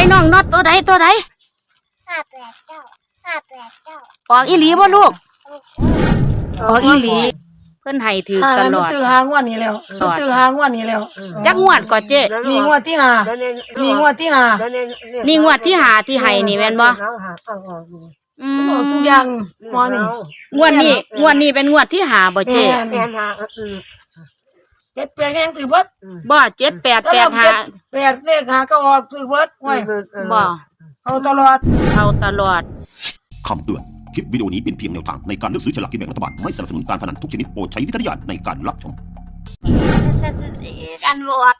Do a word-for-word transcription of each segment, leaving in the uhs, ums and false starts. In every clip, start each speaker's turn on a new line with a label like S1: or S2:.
S1: น้องน็อตตัวใดตัวใด
S2: ห้าแปดเก้าห้าแปดเก้า
S1: ออกอีหลีบ่ลูกออกอีหลีเพิ่นให้ถือตลอด
S3: ตื้อหางวดนี้แล้วตื้อหางวดนี้แล้ว
S1: จักงวดก่อเจ๊
S3: นี่งวดที่ห้านี่งวดที่ห้า
S1: นี่งวดที่ห้าที่ให้นี่แม่นบ่อืม
S3: ทุกอย่างหมอนี่
S1: งวดนี้งวดนี้เป็นงวดที่ห้าบ่เจ๊
S3: เจ็ดแปดยังถือเบิด
S1: บ่เจ็ดแปดแปดห้า
S3: แปดเลขหาก็ออกถือเบิดไว้
S1: บ่
S3: เอาตลอด
S1: เอาตลอด
S4: คำเตือนคลิปวิดีโอนี้เป็นเพียงแนวทางในการเลือกซื้อฉลากกินแบ่งรัฐบาลไม่สนับสนุนการพนันทุกชนิดโปรดใช้วิจารณญาณในการรับชม
S1: กันบวก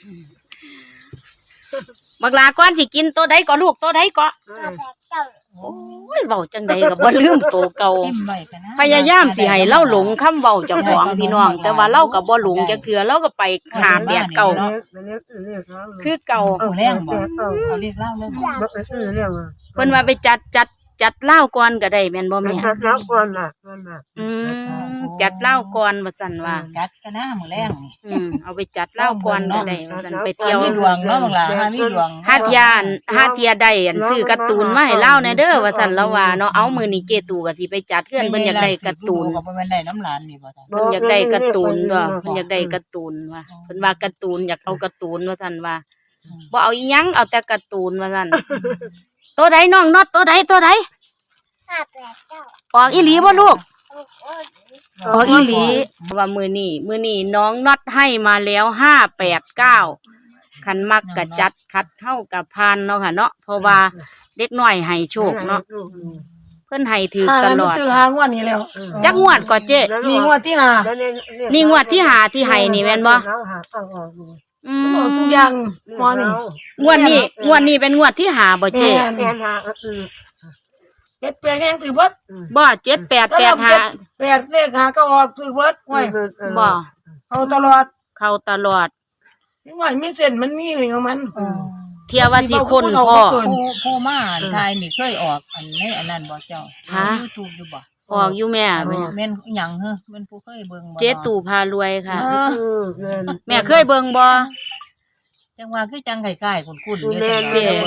S1: บักลาก่อนสิกินตัวใดก็ลูกตัวใดก็โอ้ยเว้าจังใดก็บ่ลืมตัวเก่าพยายามสิให้เล่าหลงคำเว้าเจ้าของพี่น้องแต่ว่าเล่าก็บ่หลงจักเทื่อเล่าก็ไปหาแบบเก่าคือเก่า
S5: เอาแรงบ่เอาเรียกเล่าเลย
S1: เพิ่นว่าไปจัดจัดจัดเหล้าก่อนก็ได้แม่นบ่แม่
S6: จัดเหล้าก่อนน่ะ
S1: อืมจัดเหล้าก่อนว่าซั่นว่า
S5: จัดก็น่ามื้อแรงนี่
S1: อืมเอาไปจัดเหล้าก่อนก็ได้ว่าซั่นไปเที่ยว
S5: มีดวงเนาะบักหลาหามีดวง
S1: หาเที่ยนหาเที่ยได้อันซื้อการ์ตูนมาให้เล่าแน่เด้อว่าซั่นแล้วว่าเนาะเอามื้อนี้เจตู่ก็สิไปจัดเฮือนเพิ่นอยากได้การ์ตูน
S5: ก็บ่แม่นได้น้ำหลานนี่บ่จ้ะ
S1: เพิ่นอยากได้การ์ตูนด้วยเพิ่นอยากได้การ์ตูนว่าเพิ่นว่าการ์ตูนอยากเอาการ์ตูนว่าซั่นว่าบ่เอาอีหยังเอาแต่การ์ตูนว่าซั่นตัวใดน้องน็อตตัวใดตัวใด
S2: ห้าแปดเก้า
S1: ออกอีหลีบ่ลูกออกอีหลีว่ามื้อนี้มื้อนี้น้องน็อตให้มาแล้วห้าแปดเก้าคันมักกะจัดคัดเท่ากับพานเนาะค่ะเนาะเพราะว่าเด็กน้อยให้โชคเนาะเพิ่นให้ถือตลอด
S3: ตื้อหางวดนี้แล้ว
S1: จักงวดก่อเจ๊
S3: นี่งวดที่ห้า
S1: นี่งวดที่ห้าที่ให้นี่แม่นบ่
S3: อืมทุกอย่างหมอนี่
S1: งวดนี้งวดนี้เป็นงวดที่ห้าบ่เจ๊
S3: เจ็ดแปดยังถือเบิด
S1: บ่เจ็ดแปดแปดห้า
S3: แปดเลขหาก็ออกถือเบิดไว้
S1: บ่
S3: เอาตลอด
S1: เข้าตลอด
S3: นี่ว่ามีเส้นมันมีของมัน
S1: เที่ยวว่าสิคนพ่อ
S5: ผู้มาทายนี่เคยออกอันนี้อันนั้นบ่เจ้าฮะ YouTube อยู่บ่
S1: ออกอยู่แม่
S5: แม่นหยังเหรอแม่นผู้เคยเบิ่งบ่
S1: เจ๊ตู่พารวยค่ะแม่เคยเบิ่งบ่
S5: จังว่าคือจังไก่ๆคุ้นๆอยู่แต่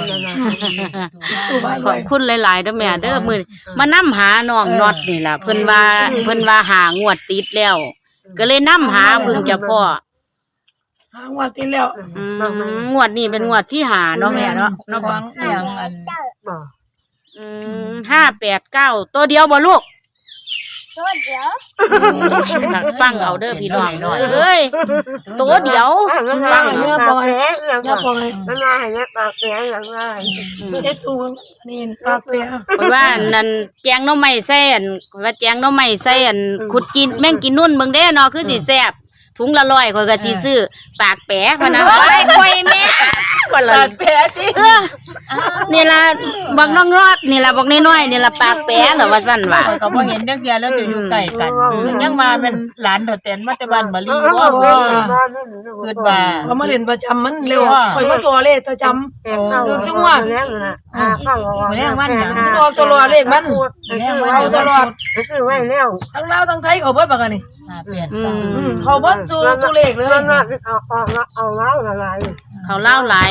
S1: ขอบคุณหลายๆเด้อแม่เด้อมื้อมานำหาน้องน็อตนี่ล่ะเพิ่นว่าเพิ่นว่าหางวดติดแล้วก็เลยนำหาเพิ่งจะพ่อ
S3: หางวดติดแล้ว
S1: อืมงวดนี้เป็นงวดที่ห้าเนาะแม่เนาะ
S5: เนาะฟังอย่างอัน
S1: อืมห้าแปดเก้าตัวเดียวบ่ลูก
S2: ตัวเดียว
S1: ฟังเอาเด้อพี่น้องเอ้ยตัวเดียว
S3: ฟังเนื้อปล่อยอย่าปล่อย
S6: มันมาให้ปากแผลหลังว่า
S3: เฮ็ดตูนี่ปากแผล
S1: ว่านั่นแกงหน่อไม้ใส่อันว่าแกงหน่อไม้ใส่อันขุดกินแม่งกินนุ่นเบิ่งเด้เนาะคือสิแซ่บถุงละร้อยข่อยก็สิซื้อปากแปะพะนะไอ้ข่อยแม่คนละ
S5: ปากแปะติ
S1: เออนี่ล่ะบักน้องรอดนี่ล่ะบักน้อยๆนี่ล่ะปากแปะเหรอว่าซั่นว่า
S5: ก็บ่เห็นจักเที่ยแล้วจะอยู่ใกล้กันยังมาเป็นหลานเฒ่าแตนมาแต่บ้านมะลีบ่คิดว่า
S3: เขามาเล่นประจำมันเร็วข่อยมาตัวเลขประจำคือจังหวะ
S5: อ่าแรงวันหยัง
S3: ออกตลอดเลขมันเอาตลอด
S6: คือไว้แล้ว
S3: ทั้งลาวทั้งไทยเขาเบิดบักอันนี้
S1: อืม
S3: เขาเบิดสู่สู่เลขเลย
S6: เอาเอาเอาเล่าอะไร
S1: เขาเล่าหลาย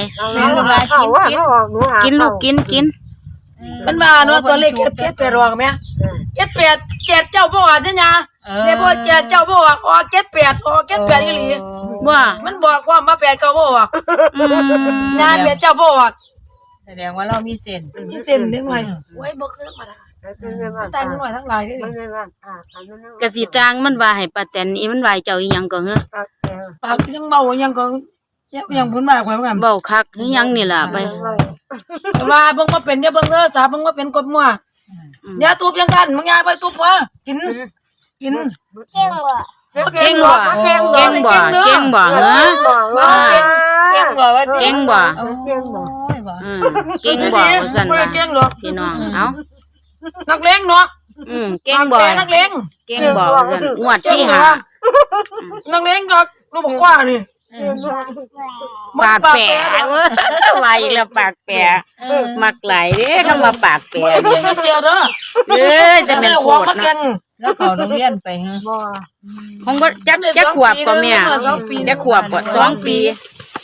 S1: กินลูกกินกิน
S3: มันมาเนาะตัวเลขเจ็ดแปดออกมั้ยเจ็ดแปดเจ็ดเจ้าบ่ว่าจังหยังเนี่ยบ่เจ็ดเจ้าบ่ว่าออกเจ็ดแปดออกเจ็ดแปดอีหลี
S1: ว่า
S3: มันบอกว่ามาแปดเก้าบ่ออกอืมงานแปดเจ้าบ่ออก
S5: แสดงว่าเรามีเส้น
S3: มีเส้นจังได๋โอ้ยบ่คือธรรมดาตายจังหวะทั้งหลายเด้
S1: กะสิตางมันว่าให้ป้าแตนอีมันว่าเจ้าอีหยังก็เหรอ
S3: ปากยังเบายังก็ยังพูดมากกว่าเหมือนกัน
S1: เบาคักอีหยังนี่ล่ะไป
S3: ว่าเบิ่งบ่เป็นอย่าเบิ่งเด้อสาเบิ่งบ่เป็นกดมั่วอย่าตูบยังกันมึงอย่าไปตูบว่ากินกิน
S2: เก่งบ่
S1: เก่งบ่เก่งบ่เก่งบ่เหรอ
S5: เก่งบ่ว่า
S1: เก่งบ่
S6: เก่งบ่
S1: อืมเก่งบ่ว่าซั่นว่าพี่น้องเอ้า
S3: นักเลงเนาะ
S1: อืมเก่งบ่
S3: นักเลง
S1: เก่งบ่ว่าซั่นงวดที่ห้า
S3: นักเลงก็ลูกบอกว่านี่
S1: ปากแปะเว้ยว่าอีกแล้วปากแปะมักหลายเด้คำว่าปากแปะ
S3: เรียนเสียเด้อ
S1: เอ้ยแต่เป็นโคตรนะ
S5: แล้วเขาโรงเรียนไปฮะ
S1: คงบ่จักจักขวบก็แม่จักขวบบ่สองปี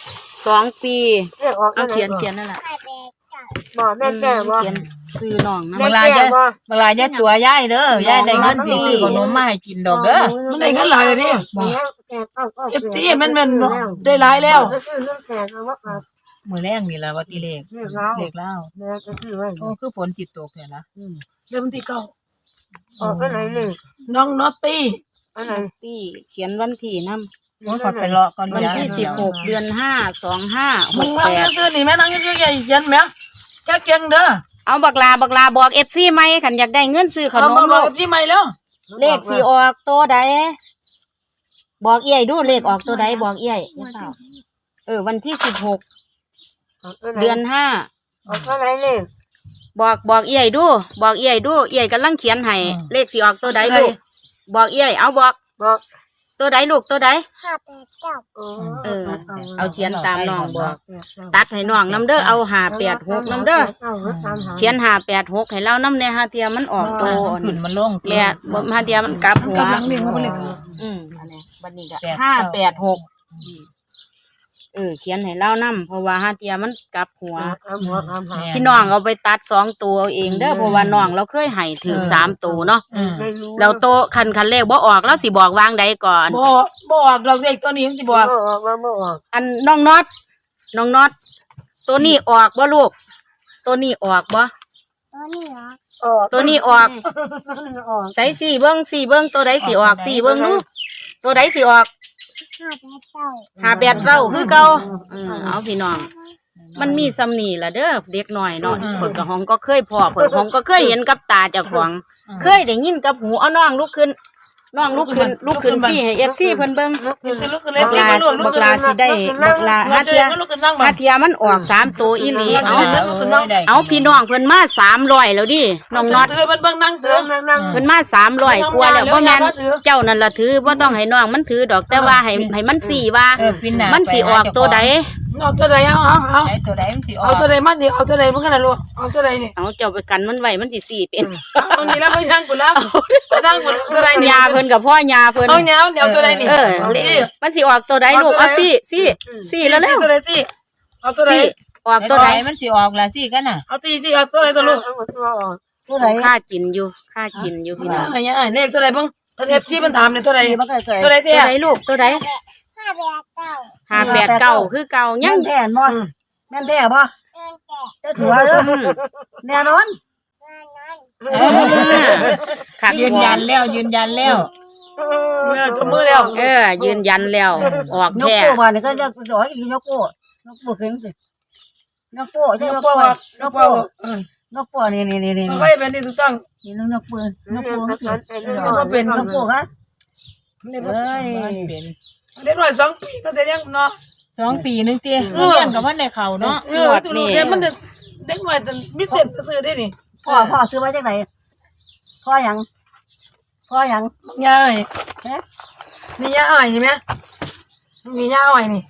S1: สองปี
S6: เรียกออก
S1: เอาเขียนเขียนนั่นแหละ
S2: ห้าแปดเก้า
S6: บ่แม่แก่บ่
S1: เขียนซื้อน้องนะ
S5: เวลาจะเวลาจะตัวยายเด้อยายได้เงินสิซื้อขนมมาให้กินดอกเด้อ
S3: มันได้เงินหลายเลยนี่
S6: แก่เก้าเก้า
S3: เอฟซีมันมันได้หลายแล้ว
S6: ก็คือเรื่องแก่ก็ว่า
S5: มื้อแรงนี่ล่ะว่าติเลข
S6: เรียกแล้ว
S5: เลขแล้ว
S6: แม่ก็คือไว้
S5: โอ้คือฝนจิตตกแท้ละ
S3: เริ่มที่เก้า
S6: ออกไปไหนเลย
S3: น้องนอตตี้
S6: อันไหน
S1: ที่เขียนวันที่นำ
S5: โอ้ยขอไปรอก่อน
S1: วันที่สิบหกเดือนห้าสองห้าห
S3: มึง
S1: ก
S3: นั่
S1: แป
S3: ง
S1: ด
S3: เยอะๆนี่แม่นั่งเยอะๆยันแม่แค่เก่งเด้อ
S1: เอาบักลาบักลาบอกเอฟซีไหมขันอยากได้เงินซื้อข
S3: เอา
S1: น
S3: มาม บ
S1: ลู
S3: อก
S1: ก
S3: กับที่ใหม่แล้ว
S1: เลขสีออกตัวใดบอกเอี้ยดูเลขออกตัวใดบอกเอี้ยเออวันที่สิบหกเดือนห้า
S6: ออกไปไหนเลย
S1: บอกบอกเอี้ยดู บอกเอี้ยดูเอี้ยกำลังเขียนให้เลขสีออกตัวใดลูกบอกเอี้ยเอาบอก
S6: บอก
S1: ตัวใดลูกตัวใด
S2: ห้าแปดเก้า
S1: เออ เอาเขียนตามน้องบอก ตัดให้น้องน้ำเด้อเอาหาแปดหกน้ำเด้อเขียนหาแปดหกให้เราน้ำเนี่ยฮาเทียมันออกตัว
S5: มันขึ้นมันลง
S1: แม่บ่ฮาเทียมันกลับหัว
S3: กำลังเลี้ยงมันเลย
S1: อืมอันนี้บันนี้ก็ห้าแปดหกเออเขียนให้เล่านํเพราะว่าฮาเทียมันกลับหัว
S6: เอาหัวเอาหา
S1: พี่น้องเอาไปตัดสองตัวเอาเองเด้อเพราะว่าน้องเราเคยให้ถึงสามตัวเนาะ
S5: อืม
S6: ไม่รู้
S1: แล้วโตคันคันเลขบ่ออกแล้วสิบอกวางใดก่อน
S3: บอกบอกเราเด็กตัวนี้ที่บอก
S6: บ่ออกมาบ่ออก
S1: อันน้องน็อตน้องน็อตตัวนี้ออกบ่ลูก ตัวนี้ออกบ่
S2: ตัวนี้เหรอ
S6: ออก
S1: ตัวนี้ออก
S6: ออก
S1: ใส่สี่เบิ้งสี่เบิ้งตัวใดสิออกสี่เบิ้งลูกตัวใดสิออก
S2: ห้าแปดเก้า
S1: หาแปดเก้าคือเก่าอืมเอาพี่น้อง มันมีสำนีละเด้อเด็กหน่อยเนาะเพิ่นก็ห้องก็เคยพ่อเพิ่นห้องก็เคยเห็นกับตาเจ้าของ เคยได้ยินกับหูเอาน้องลุกขึ้นน้องลุกขึ้นลุกขึ้นสิให้ เอฟ ซี เพิ่นเบิ่ง
S3: จะลุกขึ้นเลย
S1: บัก
S3: สิ
S1: ลา
S3: มาลุกลุ
S1: บั
S3: ก
S1: ก
S3: ขึ้น
S1: ลาสิได้บักลา
S3: มา
S1: หา
S3: เจ
S1: เที
S3: อย ก็ลุกขึ้นนั่งมา
S1: หาเทียมันออกสามตัวอีหลีเอา
S5: ได้
S1: เอาพี่น้องเพิ่นมาสามร้อยแล้วดิน้องน็อต
S3: เตือนมันเบิ่งนั่งเตื
S6: เดิ
S3: อน น
S6: นั่งนั่ง
S1: เพิ่นมาสามร้อยกว่าแล้วบ่แม่นเจ้านั่นล่ะถือบ่ต้องให้น้องมันถือดอกแต่ว่าให้ให้มันสี่ว่า
S5: เออปีหน้า
S1: มันสิออกตัวใด
S3: เอาตัวใดเอาเอาเอา
S5: ไอ้ตัวใดมันสิออ
S3: เอา
S5: ก
S3: ตัวใดมันดิเอาตัวใดมันกันนะลูกเอาตัวใดนี่
S1: เอาเจ้าไปกันมันไว้มันสิสี่เป็น
S3: เอานี่แล้วไปนั่งกูแล้วไปนั่งกูตัวใดนี่
S1: ยาเพิ่นกับพ่อยาเพิ่น
S3: เอาเนี้ยเดี๋ยวตัวใดนี่
S1: เออมันสิออกตัวใดลูกเอาสี่สี่สี่แล้วแล้ว
S3: ตัวใดสิเอาตัวใด
S1: สี่ออก
S5: ตั
S1: ตัว ว
S5: ใด
S1: ใด
S5: มันสิออกล่ะสิกันน่ะ
S3: เอาตีสิเอาตัวใดตัวลูก
S6: เอาตัวออก
S3: ตัวไหน
S1: ค่ากินอยู่ค่ากินอยู่พี่น้อง
S3: อันนี้เลขตัวใดบ้างประเทศที่มันถามเนี่ยตัวใด
S6: มันก็ใส่
S3: ตัวใด
S1: ตั
S3: เตี้
S1: วย ใดลูกตัวใด
S2: ห้าแปดเก้า
S1: ห้าแปดเก้าคือเก่ายั
S6: แม่
S1: ง
S6: นแท้บ่แม่นแท้บ่
S2: เงินแก่
S6: จะถือว่าเด้อแน่นอน
S2: เงินนั้น
S1: เออขัด
S5: ยืนยันแล้วยืนยันแล้ว
S3: เออตัวมือแล้ว
S1: เออ ยืนยันแล้วออก
S6: ยก
S1: แท้
S6: โป้มาเนี่ยก็จะสอนอีกยกโป้ยกโป้ขึ้นสิยกโป้ใช่
S3: ย
S6: ย
S3: ก
S6: ก
S3: โป้
S6: โป้
S3: ย
S6: ย
S3: ก
S6: ก
S3: โป้
S6: โป้
S3: เออย
S6: กโป้นี่นี่นี่นี่
S3: ไม่เป็นที่ถูกต้อง
S6: นี่น้องยกปืนยกโป้
S3: ย
S6: ยกเป็นยกโป้ครับ
S3: เด็ก
S6: เอ้ย
S5: เป็น
S3: เด็กหน่อยสองปีน่าจะยังเนาะ
S5: สองปีนึงเตี้ยเรียนกับว่าในเขาเนาะ
S3: เออตัวเด็กมันเด็กหน่อยจะมิเศษซื้อได้นี่
S6: พ่อพ่อซื้อมาจากไหนพ่อหยังพ่อหยัง
S3: ยาย
S6: เอ๊ะ
S3: นี่ยาอ้อยนี่ไหมมียาอ้อยนี่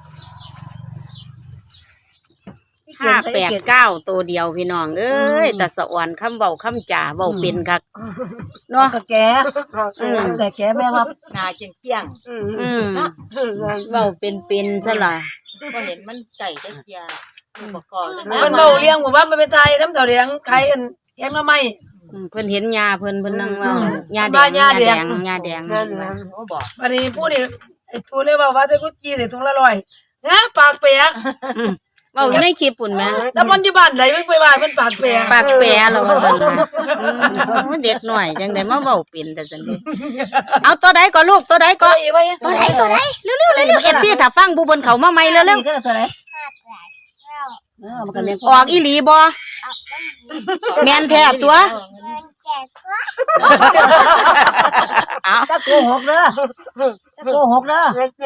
S1: ห้าแปดเก้าตัวเดียวพี่น้องเอ้ยแต่สะอ่อนคำเบาคำจ่าเบาเป็นคักเนาะ
S6: ก็แกแต่แกแม่ว่า
S5: หน้าเจียงเจียง
S1: อืมเบาเป็นเป็นซะล่ะ
S5: ก็เห็นมันไก่ได้เจียอุปกรณ์
S3: มันเบาเลี้ยงหมู่บ้านมันเป็นไทยน้ำเต่าเลี้ยงใครกันเลี้ยงมาไม่
S1: อืมเพิ่นเห็นยาเพิ่นเพิ่นนั่งเว่า
S3: อืม
S1: ยาแด
S3: บ้าง น
S1: ยาย
S3: าแด
S1: แด
S3: ง
S1: งยาแดง
S5: โอ้บอก
S3: วันนี้พูดนี่ไอ้ทูเลยว่าว่าจะกุจีใส่ถุงละร้อยนะปากเปียก
S1: อืมเว้าอยู่ในคลิปปุ่นแหม
S3: ถ้ามันอยู่บ้านไหนไม่ไปว่ามันปากเปียก
S1: ปากแปรแล้วว่าซั่นน่ะอืมเด็กหน่อยจังได๋มาเว้าเป็นแต่จังได๋เอาตัวใดก็ลูกตัวใดก็
S3: ก็อีไว้
S1: ตัวใดตัวใดเร็วๆเร็วๆ เอฟ ซี ถ้าฟังผู้เพิ่นเข้ามาใหม่เร็ว
S6: นี่ก็ตัวไหน
S2: ห้าแปดเก้า
S6: เออมันก็เลี้ยง
S1: ๆออกอีหลีบ่
S2: ออกเป็น
S1: แม่นแท้ตัว
S2: เงินแก่ก็
S1: เอา
S6: ถ้าโกหกเด้อถ้าโกหกเด้อ
S2: ก็ก็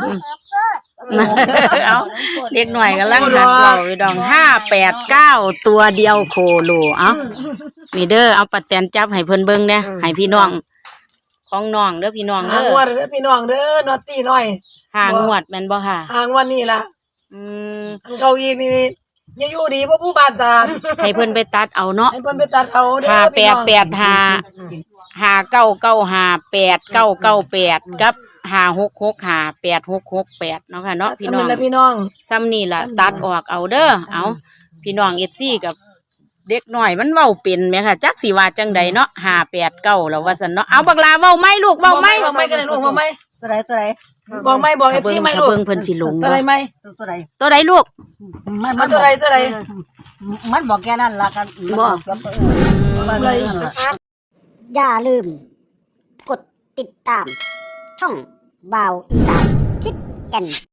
S1: เอาเด็กหน่อยกำลังหัดเว้าอยู่ดองห้าแปดเก้าตัวเดียวโคโลเอ้านี่เด้อเอาปัดแตนจับให้เพิ่นเบิ่งแหน่ให้พี่น้องของน้องเด้อพี่น้อง
S3: หา
S1: เด้
S3: ง
S1: อ
S3: วันเด้อพี่น้องเด้อนอตตี้น้อย
S1: ห่างงวดแม่นบ่ค่ะ
S3: หางวันนี้ล่ะ
S1: อืม
S3: เขาอีกนี่ยังอยู่ดีเพราะผู้บ้านจาง
S1: ให้เพิ่นไปตัดเอาเนาะ
S3: ให้เพิ่นไปตัดเอาเด้อ
S1: ห้าแป
S3: พี่
S1: ด
S3: น้อง
S1: แปดห้าห้าเก้าเก้าห้าแปดเก้าเก้าแปดกับห้าหกหกห้าแปดหกหกแปดเนาะค่ะเนาะพี่น้อง
S3: ทำเป็นละพี่น้อง
S1: ซ้ำนี่ล่ะตัดออกเอาเด้อเอาพี่น้อง เอฟ ซี กับเด็กน้อยมันเว้าเป็นแหมค่ะจักสิว่าจังใดเนาะห้าแปดเก้าแล้วว่าซั่นเนาะเอาบักลาเว้าไหมลูกเว้าไหม
S3: บอกไม่กันเลยลูกบอกไม่
S6: ตัวไหนตัวไหน
S3: บอกไม่บอกเอ
S1: ถ้า
S3: ฟ
S1: เบิ่
S3: ซี
S1: ง
S3: ไม่
S1: ถ้า
S3: ลูก
S1: เบิ่งเพิ่นสิหลง
S3: ตัวไหน
S1: เนาะ
S3: ไหม
S6: ตัวตัวไหน
S1: ตัวใดลูก
S6: มัน
S3: เอาตัวไหนตัวไหน
S6: มันบอกแค่นั้นละกัน
S1: บอก
S3: เลย
S7: อย่าลืม กดติดตาม ช่องบ่าวอีสานทิศแก่น